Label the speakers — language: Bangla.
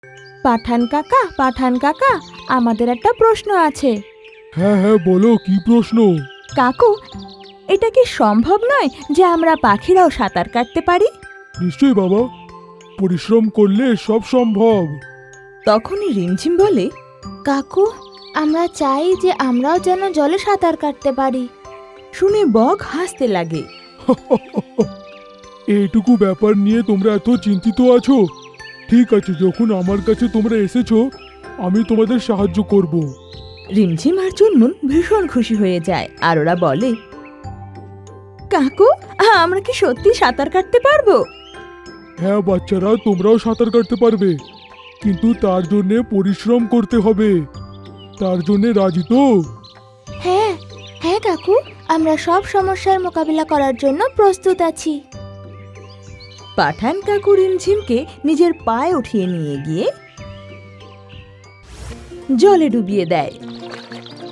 Speaker 1: পাঠান কাকা, আমাদের একটা প্রশ্ন আছে।
Speaker 2: হ্যাঁ হ্যাঁ, বলো কি প্রশ্ন?
Speaker 1: কাকু, এটা কি সম্ভব নয় যে আমরা পাখিরাও সাঁতার কাটতে পারি?
Speaker 2: নিশ্চয়ই বাবা, পরিশ্রম করলে সব সম্ভব।
Speaker 1: তখনই রিমঝিম বলে, কাকু, আমরা চাই যে আমরাও যেন জলে সাঁতার কাটতে পারি। শুনে বক হাসতে লাগে।
Speaker 2: এইটুকু ব্যাপার নিয়ে তোমরা এত চিন্তিত আছো? ঠিক আছে, যখন আমার কাছে তোমরা এসেছো, আমি তোমাদের সাহায্য করব।
Speaker 1: রিমঝিম আর চুনমুন ভীষণ খুশি হয়ে যায়, আর ওরা বলে, কাকু, আমরা কি সত্যি সাঁতার কাটতে পারবো?
Speaker 2: হ্যাঁ বাচ্চারা, তোমরাও সাঁতার কাটতে পারবে, কিন্তু তার জন্যে পরিশ্রম করতে হবে। তার জন্যে রাজি তো?
Speaker 1: হ্যাঁ হ্যাঁ কাকু, আমরা সব সমস্যার মোকাবিলা করার জন্য প্রস্তুত আছি। পাঠান কাকু রিমঝিমকে নিজের পায়ে উঠিয়ে নিয়ে গিয়ে জলে ডুবিয়ে দেয়